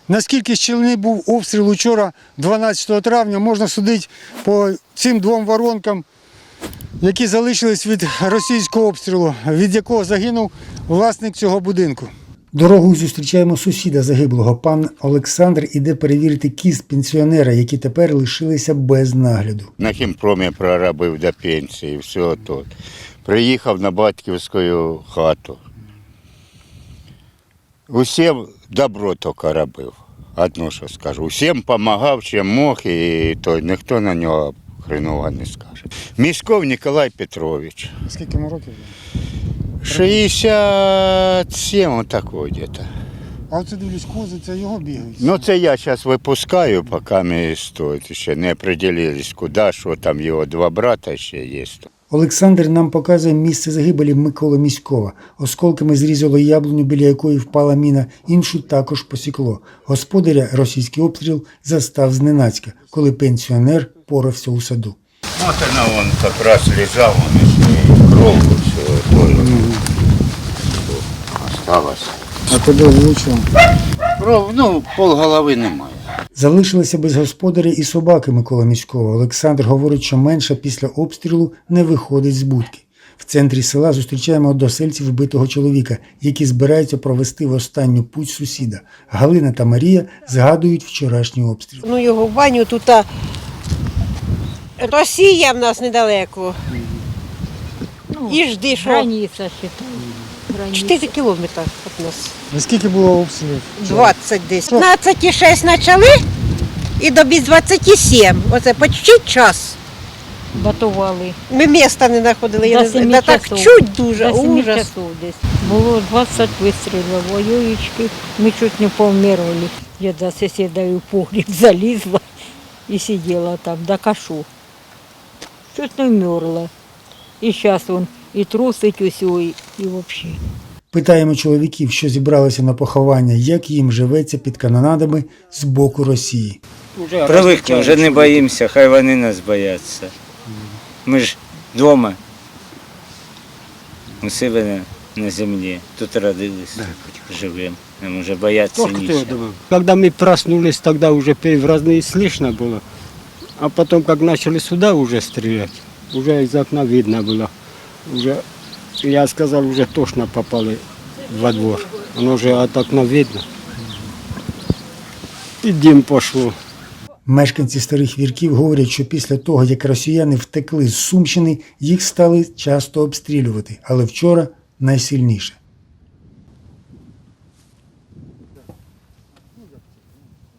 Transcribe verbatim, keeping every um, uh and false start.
Наскільки щільний був обстріл учора, дванадцятого травня, можна судити по цим двом воронкам, які залишились від російського обстрілу, від якого загинув власник цього будинку. Дорогою зустрічаємо сусіда загиблого. Пан Олександр іде перевірити кіст пенсіонера, які тепер лишилися без нагляду. На хімпромі проробив до пенсії, все тут. Приїхав на батьківську хату. Усім добро тільки робив. Одно, що скажу. Усім допомагав, чим мог, і то ніхто на нього хреново не скаже. Міськов Ніколай Петрович. Скільки йому років? шістдесят сім, отако десь. А оце дивлюсь, кози, це його бігають? Ну це я зараз випускаю, поки ми стоїть. Ще не определились, куди, що там його два брата ще є. Олександр нам показує місце загибелі Миколи Міськова. Осколками зрізало яблуню, біля якої впала міна, іншу також посікло. Господаря російський обстріл застав зненацька, коли пенсіонер порався у саду. Вот она, он как раз лежал, он и кровь все тоже осталось. А тебе влучило? Кров, ну, полголови немає. Залишилися без господаря і собаки Микола Міськова. Олександр говорить, що менша після обстрілу не виходить з будки. В центрі села зустрічаємо односельців вбитого чоловіка, які збираються провести в останню путь сусіда. Галина та Марія згадують вчорашній обстріл. Ну його в баню тут а... Росія в нас недалеко. Ну, І жди, що границя, считай. Границя. чотири кілометри від нас. Наскільки було обстрілів? двадцять десь. п'ятнадцять шість почали і до без двадцять сім. Оце почти час. Батували. Ми міста не знаходили. Я До не знаю. семи Да так часов. чуть дуже, До семи ужас. часов десь. Було двадцять вистрілів, воюючки. Ми чуть не повмирали. Я до сусіда в погріб залізла і сиділа там, до кашу. Чуть не вмерла. І зараз він і трусить усю, і, і взагалі. Питаємо чоловіків, що зібралися на поховання, як їм живеться під канонадами з боку Росії. Привикли, вже не боїмося, хай вони нас бояться. Ми ж вдома, у себе на, на землі, тут родились, живемо, нам вже бояться нічого. Когда мы проснулись, тогда уже разные слышно было. А потом, как начали сюда уже стрелять, уже из окна видно было. Уже, я сказал, уже точно попали во двор. Оно уже от окна видно. И дым пошло. Мешканці Старих Вірків говорять, що після того, як росіяни втекли з Сумщини, їх стали часто обстрілювати, але вчора найсильніше.